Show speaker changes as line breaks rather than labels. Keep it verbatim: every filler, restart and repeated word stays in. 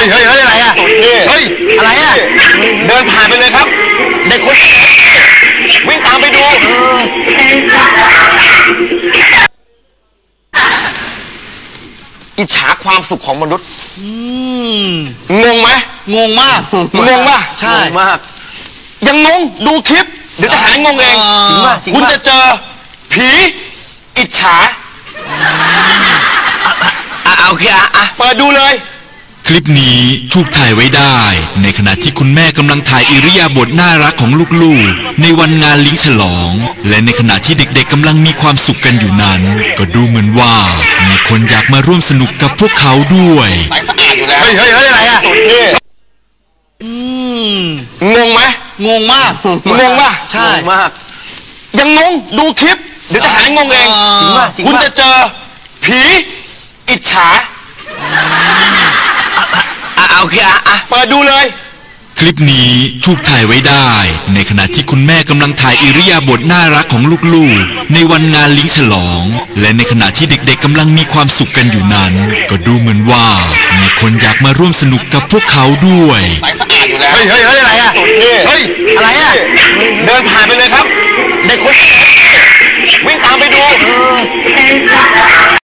เฮ้ยเฮ้ยอะไรอ่ะเฮ้ยอะไรอ่ะเดินผ่านไปเลยครับเด็กคนวิ่งตามไปดูอิจฉาความสุขของมนุษย์งงไหม
งงมาก
งงป่ะ
ใช่
มากยังงงดูคลิปเดี๋ยวจะหายงงเองจริงป่ะคุณจะเจอผีอิจฉา
เอาแค่อ่ะ
เปิดดูเลย
คลิปนี้ถูกถ่ายไว้ได้ในขณะที่คุณแม่กำลังถ่ายอิริยาบถน่ารักของลูกๆในวันงานเลี้ยงฉลองและในขณะที่เด็กๆกำลังมีความสุขกันอยู่นั้นก็ดูเหมือนว่ามีคนอยากมาร่วมสนุกกับพวกเขาด้วย
ใสสะอาดอยู่แล้วเฮ้ยเฮ้ยเฮ้ยอะไรอ่ะงงไหม
งงมาก
งงป่ะ
ใช่
มากยังงงดูคลิปเดี๋ยวจะหายงงเองจริงป่ะคุณจะเจอผีอิจฉา
เอาแค่อ่ะ
เปิดดูเลย
คลิปนี้ถูกถ่ายไว้ได้ในขณะที่คุณแม่กำลังถ่ายอิริยาบถน่ารักของลูกๆในวันงานเลี้ยงฉลองและในขณะที่เด็กๆกำลังมีความสุขกันอยู่นั้นก็ดูเหมือนว่ามีคนอยากมาร่วมสนุกกับพวกเขาด้วย
ใสสะอาดอยู่แล้วเฮ้ยเฮ้ยเฮ้ยอะไรอ่ะเฮ้ยอะไรอ่ะเดินผ่านไปเลยครับเด็กคนวิ่งตามไปดู